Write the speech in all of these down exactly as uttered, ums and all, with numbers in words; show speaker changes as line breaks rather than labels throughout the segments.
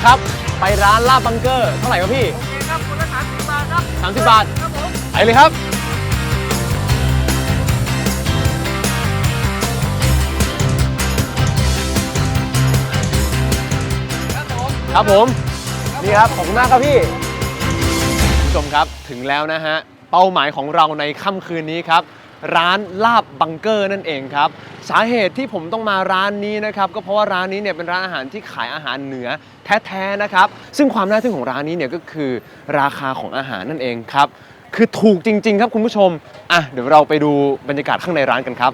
ครับไปร้านลาบบังเกอร์เท่าไหร่ครับพี่
โอเคครับคนละสามสิบบาทครับ
สามสิบบาท
ครับผม
ไปเลยครับครับผมนี่ครับขอบคุณมากครับพี่คุณผู้ชมครับถึงแล้วนะฮะเป้าหมายของเราในค่ำคืนนี้ครับร้านลาบบังเกอร์นั่นเองครับสาเหตุที่ผมต้องมาร้านนี้นะครับก็เพราะว่าร้านนี้เนี่ยเป็นร้านอาหารที่ขายอาหารเหนือแท้ๆนะครับซึ่งความน่าทึ่งของร้านนี้เนี่ยก็คือราคาของอาหารนั่นเองครับคือถูกจริงๆครับคุณผู้ชมอ่ะเดี๋ยวเราไปดูบรรยากาศข้างในร้านกันครับ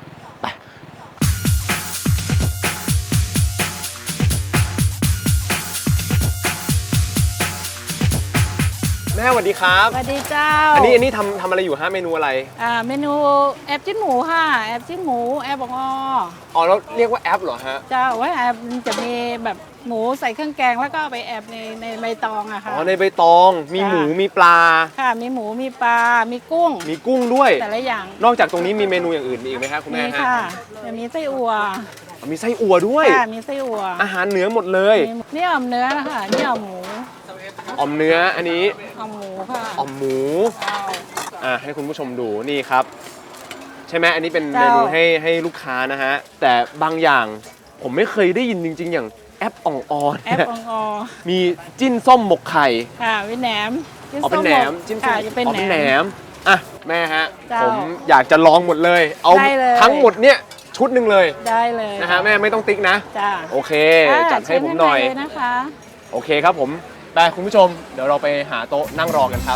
แม่สวัสดีครับ
สวัสดีเจ้า
อันนี้อันนี้ทำทำอะไรอยู่ฮะเมนูอะไร
อ่าเมนูแอบจิ้นหมูค่ะแอบจิ้นหมูแอบบองอ
อ๋อแล้วเรียกว่าแอปเหรอฮะ
เจ้าว่าแอบจะมีแบบหมูใส่เครื่องแกงแล้วก็ไปแอบในในใบตองอะค่ะ
อ๋อในใบตองมีหมูมีปลา
ค่ะมีหมูมีปลา มีกุ้ง
มีกุ้งด้วย
แต่ละอย่าง
นอกจากตรงนี้มีเมนูอย่างอื่นอีกไหมครับคุณแม่
มีค่ะจะมีไส้อั่ว
มีไส้อั่วด้วย
ค่ะมีไส้อั่ว
อาหารเหนือหมดเลย
นี่อ่อมเนื้อนะคะนี่อ่อมหมู
อ่อมเนื้ออันนี้
อ่อมหมูค่ะ
อ่อมหมูอ่าให้คุณผู้ชมดูนี่ครับใช่ไหมอันนี้เป็นเมนูให้ให้ลูกค้านะฮะแต่บางอย่างผมไม่เคยได้ยินจริงๆอย่างแอปอ่องออน
แอปอ่องอ
มีจิ้นส้มหมกไข่
ค่ะเป็นแหนม
อ๋อเป็นแหนมจิ้นส้ม
จะเป็น
แหนมอ่ะแม่ฮะ
ผ
มอยากจะลองหมดเลยเอาทั้งหมดเนี่ยชุดหนึ่งเลย
ได้เลย
นะฮะแม่ไม่ต้องติ๊กนะ
จ้า
โอเคจัดให้ผมหน่อย
นะคะ
โอเคครับผมไปคุณผู้ชมเดี๋ยวเราไปหาโต๊ะนั่งรอกันครับ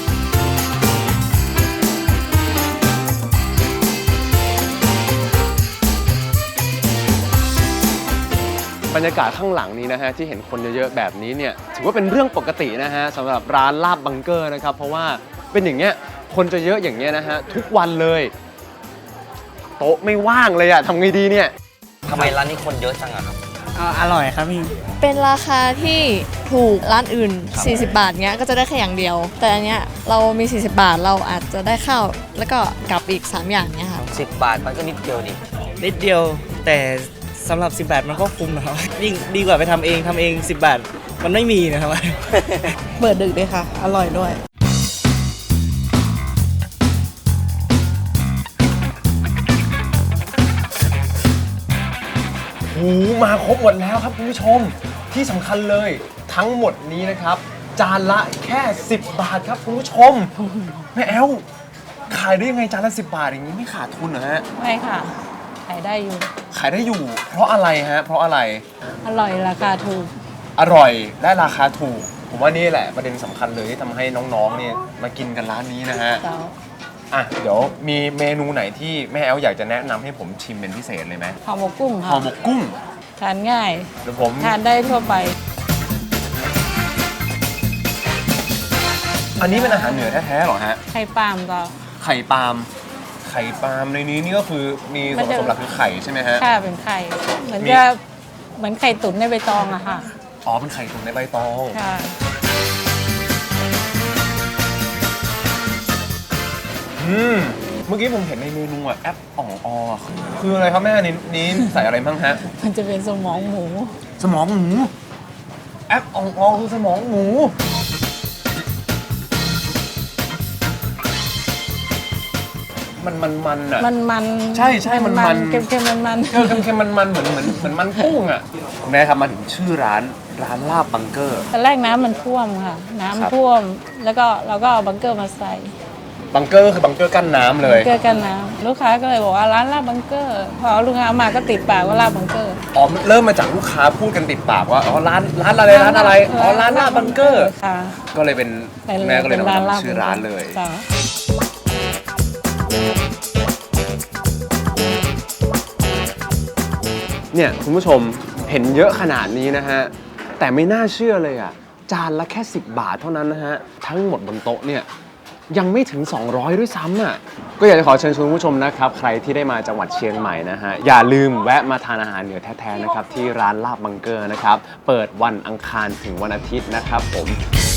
บรรยากาศข้างหลังนี้นะฮะที่เห็นคนเยอะๆแบบนี้เนี่ยถือว่าเป็นเรื่องปกตินะฮะสำหรับร้านลาบบังเกอร์นะครับเพราะว่าเป็นอย่างเงี้ยคนจะเยอะอย่างเงี้ยนะฮะทุกวันเลยโต๊ะไม่ว่างเลยอะทำไงดีเนี่ย
ทำไมร้านนี้คนเยอะจังอะครับ
อร่อยครับพี่
เป็นราคาที่ถูกร้านอื่นสี่สิบบาทเงี้ยก็จะได้แค่อย่างเดียวแต่อันเนี้ยเรามีสี่สิบบาทเราอาจจะได้ข้าวแล้วก็กับอีกสามอย่างเนี้ยค่ะ
สิบบาทมันก็นิดเดียวนี่
นิดเดียวแต่สำหรับสิบบาทมันก็คุ้มนะครับยิ่งดีกว่าไปทำเองทำเองสิบบาทมันไม่มีนะครับ
เปิดดึกเลยค่ะอร่อยด้วย
โอ้มาครบหมดแล้วครับคุณผู้ชมที่สำคัญเลยทั้งหมดนี้นะครับจานละแค่สิบบาทครับคุณผู้ชมแม่แอลขายได้ยังไงจานละสิบบาทอย่างนี้ไม่ขาดทุนเหรอฮะ
ไม่ค่ะขายได้อยู่
ขายได้อยู่เพราะอะไรฮะเพราะอะไร
อร่อยราคาถูก
อร่อยและราคาถูกผมว่านี่แหละประเด็นสำคัญเลยที่ทำให้น้องๆเนี่ยมากินกันร้านนี้นะฮะอ่ะเดี๋ยวมีเมนูไหนที่แม่แอลอยากจะแนะนำให้ผมชิมเป็นพิเศษเลยไหม
ห่อหมกกุ้งค่ะ
ห่อหมกกุ้ง
ทานง่าย
เดี๋ยวผม
ทานได้ทั่วไป
อันนี้เป็นอาหารเหนือแท้ๆหรอฮะ
ไข่ปาล์มต่อ
ไข่ปาล์มไข่ปาล์มในนี้นี่ก็คือมีส่วนผสมหลักคือไข่ใช่ไหมฮะ
ค่ะเป็นไข่เหมือนจะเหมือนไข่ตุ๋นในใบตองอะค่ะ
อ๋อเป็นไข่ตุ๋นในใบตอง
ค่ะ
อืมเมื่อกี้ผมเห็นในเมนูอะแอปอ่องออคืออะไรครับแม่นี้นี้ใส่อะไรบ้างฮะ
มันจะเป็นสมองหมู
สมองหมูแอปอ่องออคือสมองหมูมันมันมันอ่ะ
มันมัน
ใช่ใช่มันมัน
เค็มเค็มมันมัน
เออเค็มเค็มมันมันเหมือนเหมือนเหมือนมันกุ้งอ่ะคุณแม่ครับมาถึงชื่อร้านร้านลาบบังเกอร์
ตอนแรกน้ำมันท่วมค่ะน้ำท่วมแล้วก็เราก็เอาบังเกอร์มาใส่
บังเกอร์คือบังเกอร์กั้นน้ำเลย
บังเกอร์กั้นน้ำลูกค้าก็เลยบอกว่าร้านลาบบังเกอร์พอลูกค้ามาก็ติดปากว่าลาบบังเกอร์
อ๋อเริ่มมาจากลูกค้าพูดกันติดปากว่าอ๋อร้านร้านอะไรร้านอะไรอ๋อร้านลาบบังเกอร์
ค่ะ
ก็เลยเป็นแม่ก็เลยนำชื่อร้านเลยเนี่ยคุณผู้ชมเห็นเยอะขนาดนี้นะฮะแต่ไม่น่าเชื่อเลยอ่ะจานละแค่สิบบาทเท่านั้นนะฮะทั้งหมดบนโต๊ะเนี่ยยังไม่ถึงสองร้อยด้วยซ้ำอ่ะก็อยากจะขอเชิญชวนผู้ชมนะครับใครที่ได้มาจังหวัดเชียงใหม่นะฮะอย่าลืมแวะมาทานอาหารเหนือแท้ๆนะครับที่ร้านลาบบังเกอร์นะครับเปิดวันอังคารถึงวันอาทิตย์นะครับผม